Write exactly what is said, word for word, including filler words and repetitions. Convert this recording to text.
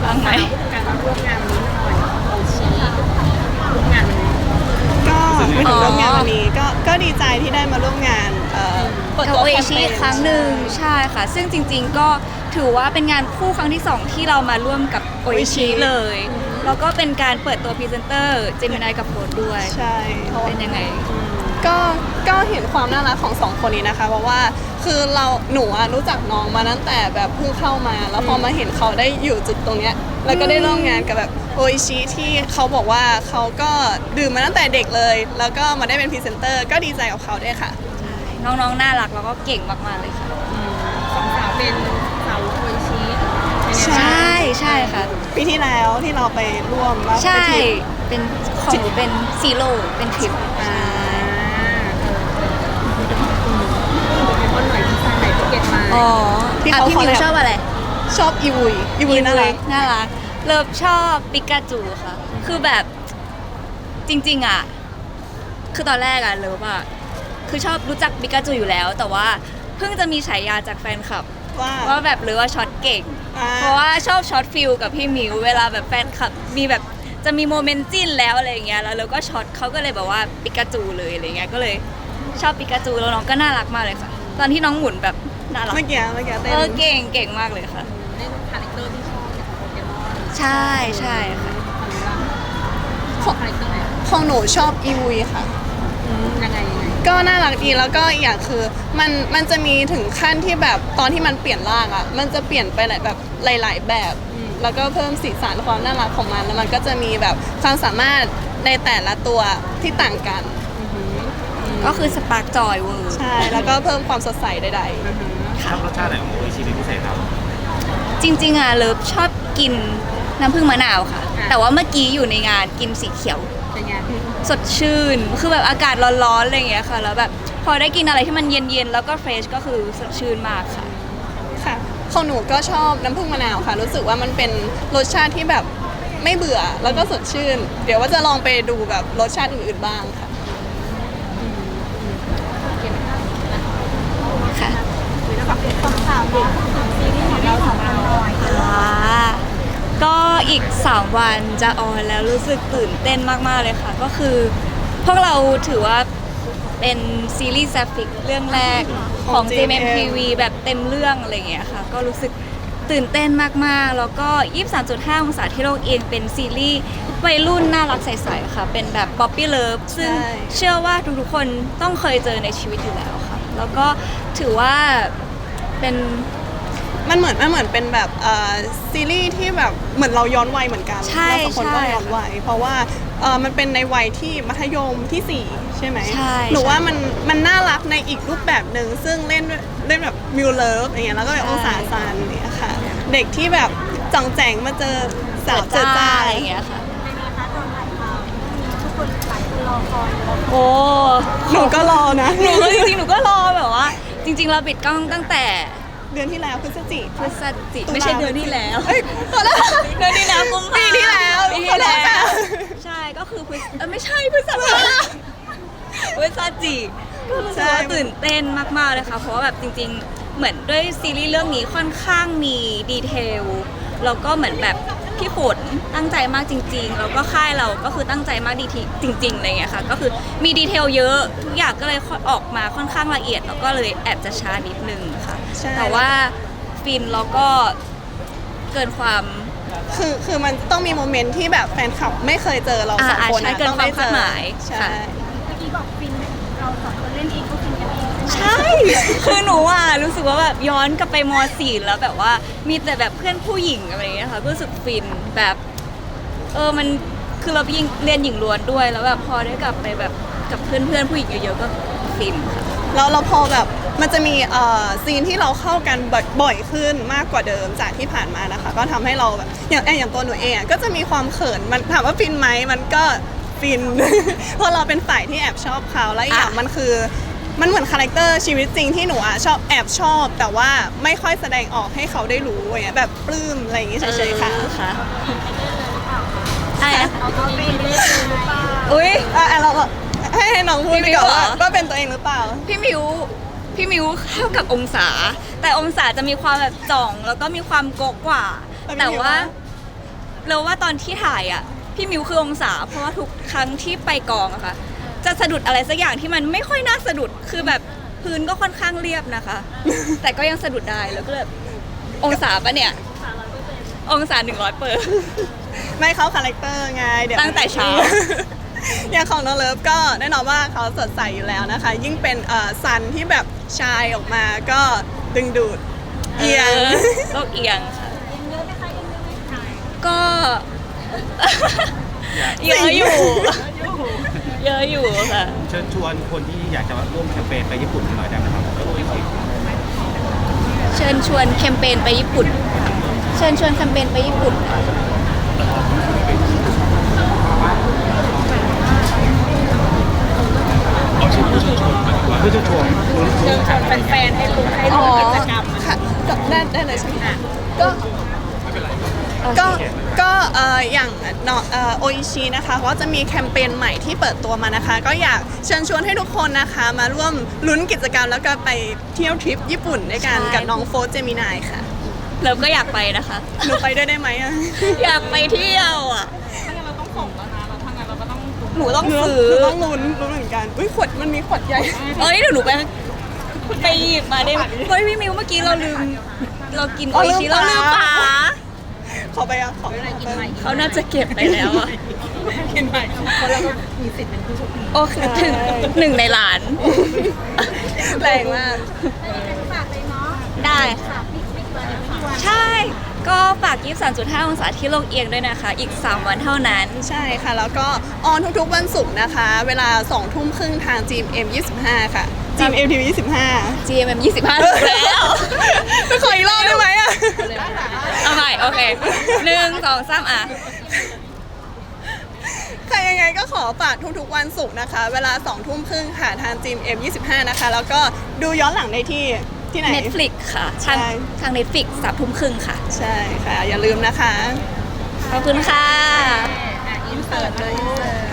บ้างไหมการมาร่วมงานนี้หน่อยโอชีร่วมงานเลยก็ไม่ถึงร่วมงานวันนี้ก็ก็ดีใจที่ได้มาร่วมงานเอ่อเปิดกับตัวโอแคเอมเปชิญอีกครั้งหนึ่งใช่ค่ะ ซึ่งจริงๆก็ถือว่าเป็นงานคู่ครั้งที่สองที่เรามาร่วมกับโอเอชิเลย แล้วก็เป็นการเปิดตัวพรีเซนเตอร์เจมินายกับโฟร์ด้วยใช่เพราะว่าเป็นยังไงก็ก็เห็นความน่ารักของสองคนนี้นะคะเพราะว่าคือเราหนูอะรู้จักน้องมาตั้งแต่แบบเพิ่งเข้ามา แล้วพอมาเห็นเขาได้อยู่จุดตรงเนี้ยแล้วก็ได้ร่วมงานกับแบบโออิชิที่เขาบอกว่าเขาก็ดื่มมาตั้งแต่เด็กเลย แล้วก็มาได้เป็นพรีเซนเตอร์ก็ดีใจกับเขาด้วยค่ะน้องๆน่ารักแล้วก็เก่งมากๆเลยค่ะสองสาวเป็นสาวโอชีใช่ใช่ใช่ค่ะปีที่แล้วที่เราไปร่วมว่าใช่ไปทริปเป็นของหนูเป็นซีโร่เป็นทริปอ่าคนหน่อยดีไซน์ไหนที่เก็ตมาอ๋อที่อ่ะเขาพี่มิว collab ชอบอะไรชอบอีวุยอีวุยน่ารักน่ารักเลิฟชอบปิกาจูค่ะ คือแบบจริงๆอ่ะ คือตอนแรกอ่ะเลิฟอ่ะ คือชอบรู้จักปิกาจูอยู่แล้ว แต่ว่าเพิ่งจะมีฉายาจากแฟนคลับว่าว่าแบบเลิฟว่าช็อตเก่งอ่าเพราะว่าชอบช็อตฟิลกับพี่มิวเวลาแบบแฟนคลับมีแบบจะมีโมเมนต์จิ้นแล้วอะไรอย่างเงี้ยแล้วเราก็ช็อตเขาก็เลยแบบว่าปิกาจูเลยอะไรเงี้ยก็เลยชอบปิกาจูแล้วน้องก็น่ารักมากเลยค่ะ ตอนที่น้องหมุนแบบน่ารักเมื่อกี้เมื่อกี้เต้เออน เก่งเก่งมากเลยค่ะเล่นคาแรคเตอร์ที่ชอบเนี่ยของโปเกมอนใช่ใช่ค่ะของคาแรคเตอร์ไหนของหนูชอบอีวุยค่ะยังไงยังไงก็น่ารักดีแล้วก็อีกอย่างคือมันมันจะมีถึงขั้นที่แบบตอนที่มันเปลี่ยนร่างอ่ะมันจะเปลี่ยนไปหลายแบบหลาย ๆ แบบ แล้วก็เพิ่มสีสันความน่ารักของมันแล้วมันก็จะมีแบบความสามารถในแต่ละตัวที่ต่างกันก็คือสปาร์กจอยเวอร์ใช่แล้วก็เพิ่มความสดใสใดชอบรสชาติไหนของโออิชิเป็นพิเศษครับจริงๆอ่ะเลิฟชอบกินน้ำผึ้งมะนาวค่ะ แต่ว่าเมื่อกี้อยู่ในงานกินสีเขียวเป็นไงสดชื่น คือแบบอากาศร้อนๆอะไรอย่างเงี้ยค่ะ แล้วแบบพอได้กินอะไรที่มันเย็นๆ แล้วก็เฟรชก็คือสดชื่นมากค่ะๆค่ะของหนูก็ชอบน้ำผึ้งมะนาวค่ะ รู้สึกว่ามันเป็นรสชาติที่แบบไม่เบื่อแล้วก็สดชื่น เดี๋ยวว่าจะลองไปดูแบบรสชาติอื่นๆบ้างค่ะค่ะแล้วแบบความสาวเนี่ยซีรีส์ของเราสองคนหน่อยอ่าก็อีกสามวันจะออนแล้วรู้สึกตื่นเต้นมากๆเลยค่ะ ก็คือพวกเราถือว่าเป็นซีรีส์แซฟิกเรื่องแรกของของเจ เอ็ม เอ็ม ที วี แบบเต็มเรื่องอะไรอย่างเงี้ยค่ะ ก็รู้สึกตื่นเต้นมากๆ แล้วก็ ยี่สิบสามจุดห้า องศาที่โลกเองเป็นซีรีส์วัยรุ่นน่ารักใสๆค่ะ เป็นแบบป๊อปปี้เลิฟซึ่งใช่เชื่อว่าทุกๆคนต้องเคยเจอในชีวิตอยู่แล้วค่ะ แล้วก็ถือว่าเป็นมันเหมือนมันเหมือนเป็นแบบเอ่อซีรีส์ที่แบบเหมือนเราย้อนวัยเหมือนกันใช่เราสองคนก็ใช่ย้อนวัยเพราะว่าเอ่อมันเป็นในวัยที่มัธยมที่สี่ใช่ไหมใช่หนูใช่ว่ามันมันน่ารักในอีกรูปแบบหนึ่งซึ่งเล่นด้วยเล่นแบบมิวเลิฟอย่างเงี้ยแล้วก็แบบใช่องศาซันเนี่ยค่ะ เด็กที่แบบจ่องแจงมาเจอสาวเจอจ้าอะไรอย่างเงี้ยค่ะทุกคนหลายคนรอคอยโอ้หนูก็รอนะหนูก็จริงๆ หนูก็รอแบบว่า จริง ๆ เราปิดกล้องตั้งแต่เดือนที่แล้วพฤศจิพฤศจิตุลาไม่ใช่เดือนที่แล้วเอ้ยขอโทษเดือนที่แล้วกุมภาปีที่แล้วปีที่แล้ขอโทษค่ะว ใช่ก็คือพฤศเออไม่ใช่พฤศจิพฤศจิก็รู้สึกว่าตื่นเต้นมากๆเลยค่ะ เพราะว่าแบบจริง ๆ เหมือนด้วยซีรีส์เรื่องนี้ค่อนข้างมีดีเทลแล้วก็เหมือนแบบพี่ฝนตั้งใจมากจริงๆแล้วก็ค่ายเราก็คือตั้งใจมากดีทีจริงๆอะไรเงี้ยค่ะก็คือมีดีเทลเยอะทุกอย่างก็เลยออกมาค่อนข้างละเอียดแล้วก็เลยแอบจะช้านิดนึงค่ะใช่แต่ว่าฟินแล้วก็เกินความคือคือมันต้องมีโมเมนต์ที่แบบแฟนคลับไม่เคยเจอเราสองอ่าคนใช่นะเกินต้องได้ความคาดหมายใช่ค่ะเมื่อกี้บอกฟินเราสองคนเล่นเองก็ฟินกันเองใช่ คือหนูอ่ะรู้สึกว่าแบบย้อนกลับไปม .สี่ แล้วแบบว่ามีแต่แบบเพื่อนผู้หญิงอะไรอย่างเงี้ยค่ะก็รู้สึกฟินแบบเออมันคือเรายิงเรียนหญิงล้วนด้วยแล้วแบบพอได้กลับไปแบบกับเพื่อนเพื่อนๆผู้หญิงเยอะๆก็ฟินค่ะแล้วเราพอแบบมันจะมีเอ่อซีนที่เราเข้ากันบ่อยขึ้นมากกว่าเดิมจากที่ผ่านมานะคะ ก็ทำให้เราแบบอย่างอย่างตัวหนูเองอะก็จะมีความเขินมันถามว่าฟินไหมมันก็ฟิน เพราะเราเป็นฝ่ายที่แอบชอบเขาแล้วอีกอย่างอ่ะมันคือมันเหมือนคาแรคเตอร์ชีวิตจริงที่หนูอะชอบแอบชอบ แต่ว่าไม่ค่อยแสดงออกให้เขาได้รู้อย่างเงี้ยแบบปลื้มอะไรอย่างงี้เฉยๆค่ะออค่ะอะไรอะเอาตัวเองเล่นหรือเปล่าอุ้ยอ่ะอ่ะเราให้ให้น้องพูดพี่ไปมิวก่อนเหรอว่าว่าเป็นตัวเองหรือเปล่าพี่มิวพี่มิวเข้ากับองศา แต่องศาจะมีความแบบจ่องแล้วก็มีความโกะกว่าแต่พี่แต่มิวว่าว่าเราว่าตอนที่ถ่ายอ่ะพี่มิวคือองศา เพราะว่าทุกครั้งที่ไปกองอะค่ะ จะสะดุดอะไรสักอย่างที่มันไม่ค่อยน่าสะดุดคือแบบพื้นก็ค่อนข้างเรียบนะคะ แต่ก็ยังสะดุดได้แล้วก็แบบองศาปะเนี่ย องศาหนึ่งร้อยเปอร์ไม่เข้าคาแรคเตอร์ไงเดี๋ยวตั้งแต่เช้าอย่างของน้องเลิฟก็แน่นอนว่าเขาสดใสอยู่แล้วนะคะ ยิ่งเป็นเอ่อซันที่แบบชายออกมาก็ดึงดูดเอียงโลกเอียงค่ะก็ เยอะอยู่ เยอะอยู่ค่ะเชิญชวนคนที่อยากจะมาร่วมแคมเปญไปญี่ปุ่นกันหน่อยได้ไหมครับโออิชิเชิญชวนแคมเปญไปญี่ปุ่น เชิญชวนแคมเปญไปญี่ปุ่นเพื่อจะชวนเชิญชวนแฟนๆให้รู้ให้อ๋อรู้กิจกรรมค่ะก็ได้ได้เลยใช่ไหมคะก็ก็ก็เอ่ออย่างเนาะเอ่อโออิชินะคะก็จะมีแคมเปญใหม่ที่เปิดตัวมานะคะ ก็อยากเชิญชวนให้ทุกคนนะคะ มาร่วมลุ้นกิจกรรมแล้วก็ไปเที่ยวทริปญี่ปุ่นด้วยกันใช่กับน้องโฟร์เจมินายค่ะเราก็อยากไปนะคะหนูไปด้วยได้ไหมอะอยากไปเที่ยวอ่ะถ้างั้นเราต้องส่งแล้วนะเราถ้างั้นเราก็ต้องหนูต้องหนูซื้อหนูต้องลุ้นลุ้นเหมือนกันอุ้ยขวดมันมีขวดใหญ่เอ้ยเดี๋ยวหนูไปไปหยิบมาได้ไหมเฮ้ยพี่มิวเมื่อกี้เราลืม เรากินอ๋โออลือิมชิเราลืมฝาฝาขอไปอ่ะขอไปหน่อยกินใหม่เขาน่าจะเก็บไปแล้วอ่ะกินใหม่เพราะเราก็มีสิทธิ์เป็นผู้โชคดีโอเคถึงหนึ่งในล้านแรงมากได้ค่ะใช่ ก็ฝากยี่สิบสามจุดห้าองศาที่โลกเอียงด้วยนะคะ อีก สาม วันเท่านั้นใช่ค่ะ แล้วก็ออนทุกๆวันศุกร์นะคะ เวลาสองทุ่มครึ่งทาง จี เอ็ม ยี่สิบห้า ค่ะ จี เอ็ม ที วี ยี่สิบห้าจี เอ็ม เอ็ม ยี่สิบห้าถูกแล้วไปขออีกรอบได้ไหมอ่ะเอาใหม่ โอเคหนึ่งสองสามอ่ะค่ะยังไงก็ขอฝากทุกๆวันศุกร์นะคะ เวลาสองทุ่มครึ่งค่ะทาง จี เอ็ม ยี่สิบห้า นะคะ แล้วก็ดูย้อนหลังได้ที่ที่ไหน Netflix ค่ะ ทางใช่ทาง Netflix สามทุ่มครึ่งค่ะใช่ค่ะ อย่าลืมนะคะขอบคุณค่ะอินเสิร์ตเลย